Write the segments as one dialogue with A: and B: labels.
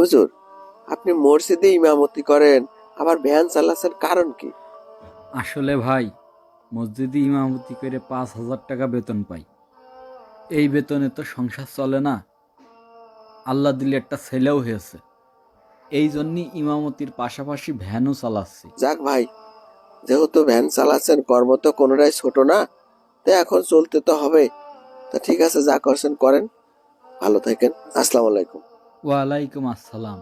A: হুজুর, আপনি মসজিদে ইমামতি করেন, আবার ভ্যান চালাচ্ছেন, কারণ কি?
B: আসলে ভাই, মসজিদে ইমামতি করে 5,000 টাকা বেতন পাই। এই বেতনে তো সংসার চলে না। আল্লাহ দিলে একটা ছেলেও হয়েছে, এই জন্যই ইমামতির পাশাপাশি ভ্যানও চালাচ্ছি।
A: যাক ভাই, যেহেতু ভ্যান চালাচ্ছেন, কর্ম তো কোনোটাই ছোট না, তো এখন চলতে তো হবে। তা ঠিক আছে, যা করছেন করেন, ভালো থাকেন। আসসালামু আলাইকুম।
B: ওয়ালাইকুম আসসালাম।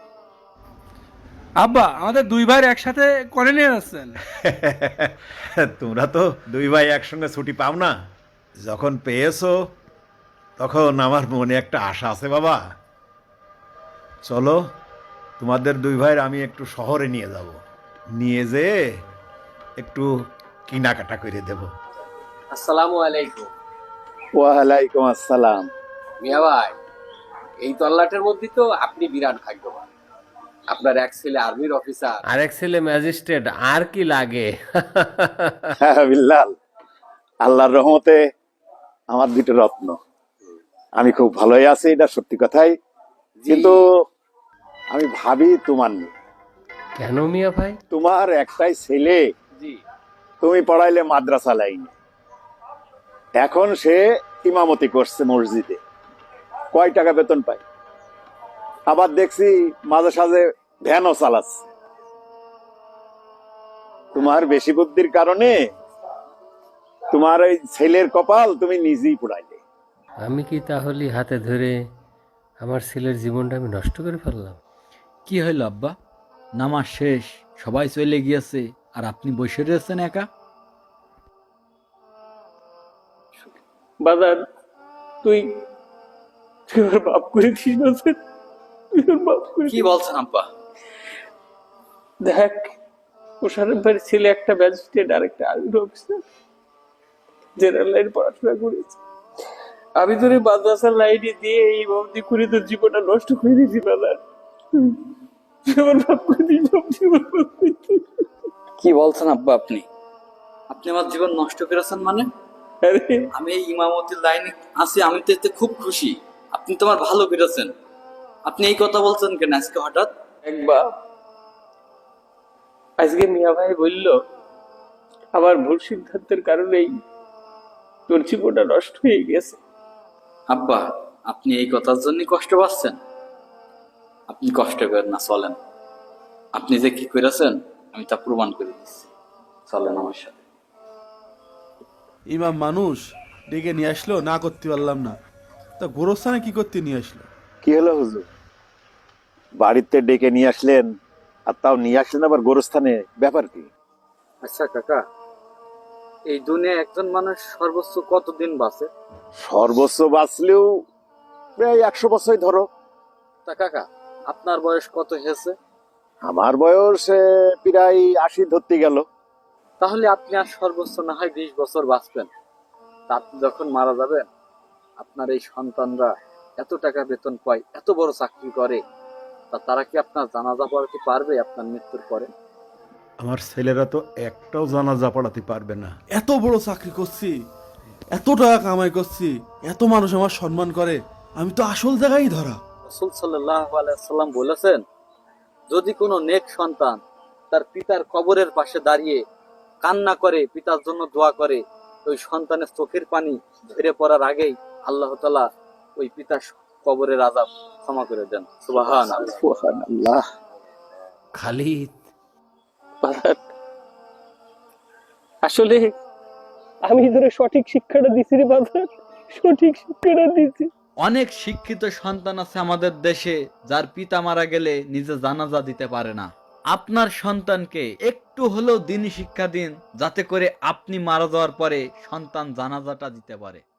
C: আব্বা, আমাদের দুই ভাই একসাথে করে নিয়ে যাচ্ছেন।
D: তোমরা তো দুই ভাই একসঙ্গে ছুটি পাও না, যখন পেয়েছো তখন আমার মনে একটা আশা আছে বাবা। চলো, তোমাদের দুই ভাইয়ের আমি একটু শহরে নিয়ে যাব, নিয়ে যেয়ে একটু কেনাকাটা করে দেব।
E: আসসালামু আলাইকুম।
F: ওয়ালাইকুম আসসালাম।
E: মিয়া ভাই, এই তল্লাটের মধ্যে তো আপনি বিরাট ভাগ্যবান। আপনার এক ছেলে আর্মির অফিসার,
G: আরেক ছেলে ম্যাজিস্ট্রেট, আর কি লাগে?
F: হ্যাঁ বিল্লাল, আল্লাহর রহমতে আমার দুটো রত্ন। আমি খুব ভালোই আছি, এটা সত্যি কথাই, কিন্তু আমি ভাবি তোমার নিয়ে।
G: কেন মিয়া ভাই?
F: তোমার একটাই ছেলে,
E: জি
F: তুমি পড়াইলে মাদ্রাসা লাইনে, এখন সে ইমামতি করছে মসজিদে, কয় টাকা বেতন পায়? আবার দেখছি মাঝে সাঝে ভ্যানও চালাচ্ছে। তোমার বেশি বুদ্ধির কারণে তোমার ওই ছেলের কপাল তুমি নিজেই পুড়াইলে।
G: আমি কি তাহলে হাতে ধরে আমার ছেলের জীবনটা আমি নষ্ট করে ফেললাম?
B: কি হইল আব্বা? নামাজ শেষ, সবাই চলে গিয়েছে, আর আপনি বসে রয়েছেন একা।
C: বাজার, তুই ওর বাপ করে দিস না স্যার, তুই ওর বাপ করে
B: কি বলছেন আব্বা?
C: দেখ, মোশারফ ভাইয়ের ছেলে একটা ম্যাজিস্ট্রেট আর একটা আর্মির অফিসার, জেনারেল লাইন পড়াশোনা করেছে। আমি তোর এই মাদ্রাসার লাইনে দিয়ে এই বন্দি করে তোর জীবনটা নষ্ট করে দিয়েছি বাজার। তুই আমার বাপ করে দিস, জীবন
B: কি বলছেন আব্বা আপনি? আপনি আমার জীবন নষ্ট করেছেন মানে?
C: আরে
B: আমি এই ইমামতির লাইনে আছি, আমি তো এতে খুব খুশি। আপনি তো আমার ভালো করেছেন। আপনি এই কথা বলছেন কেন আজকে হঠাৎ?
C: এক বাপ, আজকে মিয়া ভাই বলল আমার ভুল সিদ্ধান্তের কারণেই তোর জীবনটা নষ্ট হয়ে গেছে।
B: আব্বা, আপনি এই কথার জন্য কষ্ট পাচ্ছেন? আপনি কষ্ট করেন না, চলেন। আপনি যে কি করেছেন আমি তা প্রমাণ করে দিচ্ছি, চলেন আমার সাথে।
H: ইমাম মানুষ ডেকে নিয়ে আসলো, না করতে পারলাম না, তা গোরস্থানে কি করতে নিয়ে আসলো?
F: কি হলো হুজুর, বাড়িতে ডেকে নিয়ে আসলেন, আর তাও নিয়ে আসলেন আবার গোরস্থানে, ব্যাপার কি?
B: আচ্ছা কাকা, এই দুনিয়া একজন মানুষ সর্বোচ্চ কতদিন বাঁচে?
F: সর্বোচ্চ বাঁচলেও প্রায় 100 বছরই ধরো।
B: তা কাকা, আপনার বয়স কত হয়েছে?
F: আমার বয়স প্রায় 80 ধরতে গেল।
B: তাহলে আপনি আর সর্বোচ্চ না হয় 20 বছর বাঁচবেন। তা আপনি যখন মারা যাবেন, আপনার এই সন্তানরা এত টাকা বেতন পায়, এত বড় চাকরি করে, তা তারা কি আপনার জানাজা পড়াতে পারবে আপনার মৃত্যুর পরে?
D: আমার ছেলেরা তো একটাও জানাজা পড়াতে পারবে না।
H: এত বড় চাকরি করছি, এত টাকা কামাই করছি, এত মানুষ আমার সম্মান করে, আমি তো আসল জায়গায় ধরা।
B: রাসূল সাল্লাল্লাহু আলাইহি ওয়াসাল্লাম বলেছেন, যদি কোনো নেক সন্তান তার পিতার কবরের পাশে দাঁড়িয়ে কান্না করে, পিতার জন্য দোয়া করে, ওই সন্তানের চোখের পানি ঝরে পড়ার আগেই আল্লাহ তাআলা ওই পিতার কবরের আযাব ক্ষমা করে দেন। সুবহানাল্লাহ।
F: সুবহানাল্লাহ।
G: খালিদ,
C: বাজার, আসলে আমি তোর সঠিক শিক্ষাটা দিছি রে বাজার, সঠিক শিক্ষাটা দিছি।
B: অনেক শিক্ষিত সন্তান আছে আমাদের দেশে, যার পিতা মারা গেলে নিজে জানাজা দিতে পারে না। আপনার সন্তানকে একটু হলেও দিনী শিক্ষা দিন, যাতে করে আপনি মারা যাওয়ার পরে সন্তান জানাজাটা দিতে পারে।